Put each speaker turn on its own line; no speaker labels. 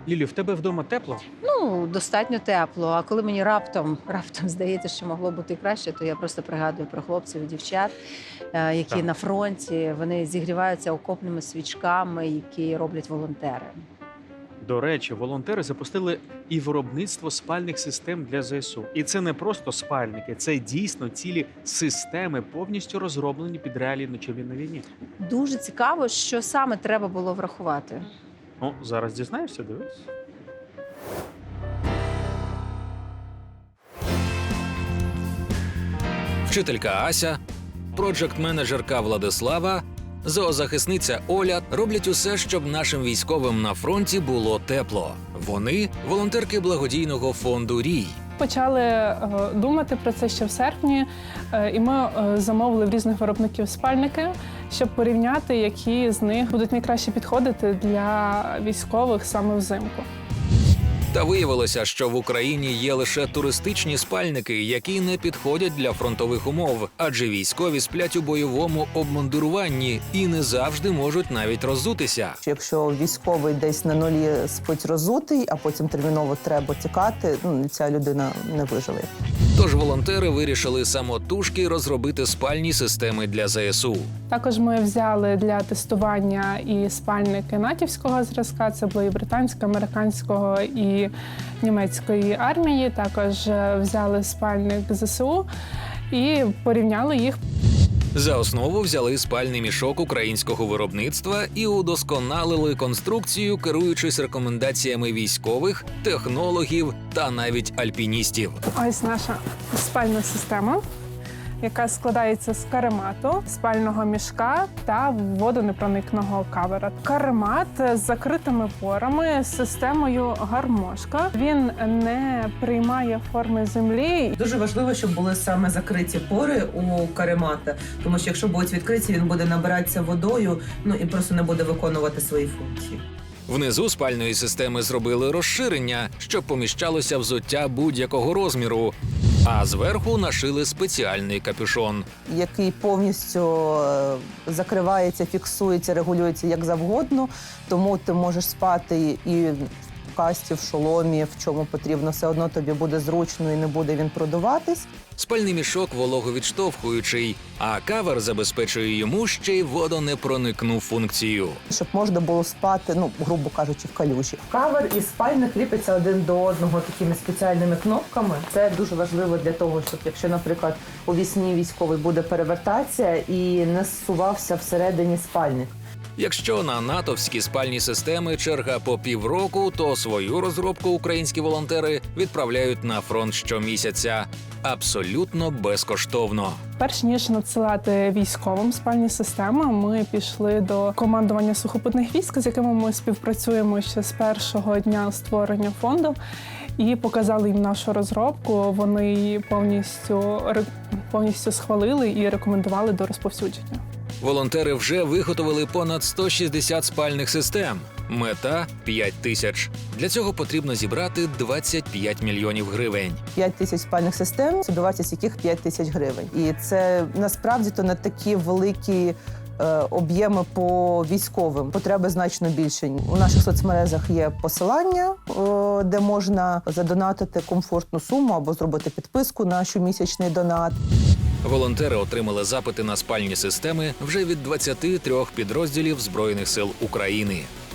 Лілю, в тебе вдома тепло?
Ну, достатньо тепло. А коли мені раптом здається, що могло бути і краще, то я просто пригадую про хлопців і дівчат, які
Так.
на фронті, вони зігріваються окопними свічками, які роблять волонтери.
До речі, волонтери запустили і виробництво спальних систем для ЗСУ. І це не просто спальники, це дійсно цілі системи, повністю розроблені під реалії ночові на війні.
Дуже цікаво, що саме треба було врахувати.
Ну, зараз дізнаєшся, дивись.
Вчителька Ася, проджект-менеджерка Владислава, зоозахисниця Оля роблять усе, щоб нашим військовим на фронті було тепло. Вони – волонтерки благодійного фонду «Рій».
Почали думати про це ще в серпні, і ми замовили в різних виробників спальники, щоб порівняти, які з них будуть найкраще підходити для військових саме взимку.
Та виявилося, що в Україні є лише туристичні спальники, які не підходять для фронтових умов, адже військові сплять у бойовому обмундируванні і не завжди можуть навіть роззутися.
Якщо військовий десь на нулі спить розутий, а потім терміново треба тікати, ця людина не виживе.
Тож волонтери вирішили самотужки розробити спальні системи для ЗСУ.
Також ми взяли для тестування і спальники натівського зразка, це були і британського, американського і німецької армії. Також взяли спальник ЗСУ і порівняли їх.
За основу взяли спальний мішок українського виробництва і удосконалили конструкцію, керуючись рекомендаціями військових, технологів та навіть альпіністів.
Ось наша спальна система, яка складається з каремату, спального мішка та водонепроникного кавера. Каремат з закритими порами, з системою гармошка. Він не приймає форми землі.
Дуже важливо, щоб були саме закриті пори у каремата, тому що якщо будуть відкриті, він буде набиратися водою, і просто не буде виконувати свої функції.
Внизу спальної системи зробили розширення, щоб поміщалося взуття будь-якого розміру, а зверху нашили спеціальний капюшон.
Який повністю закривається, фіксується, регулюється як завгодно, тому ти можеш спати і в касті, в шоломі, в чому потрібно, все одно тобі буде зручно і не буде він продуватись.
Спальний мішок вологовідштовхуючий, а кавер забезпечує йому ще й водонепроникну функцію.
Щоб можна було спати, грубо кажучи, в калюжі. Кавер і спальник ліпиться один до одного такими спеціальними кнопками. Це дуже важливо для того, щоб якщо, наприклад, у вісні військовий буде перевертатися і не зсувався всередині спальник.
Якщо на натовські спальні системи черга по півроку, то свою розробку українські волонтери відправляють на фронт щомісяця. Абсолютно безкоштовно.
Перш ніж надсилати військовим спальні системи, ми пішли до командування сухопутних військ, з якими ми співпрацюємо ще з першого дня створення фонду, і показали їм нашу розробку. Вони її повністю схвалили і рекомендували до розповсюдження.
Волонтери вже виготовили понад 160 спальних систем. Мета – 5 тисяч. Для цього потрібно зібрати 25 мільйонів гривень.
5 тисяч спальних систем, собівартість яких 5 тисяч гривень. І це насправді то не такі великі об'єми по військовим. Потреби значно більше. У наших соцмережах є посилання, де можна задонатити комфортну суму або зробити підписку на щомісячний донат.
Волонтери отримали запити на спальні системи вже від 23 підрозділів Збройних сил України.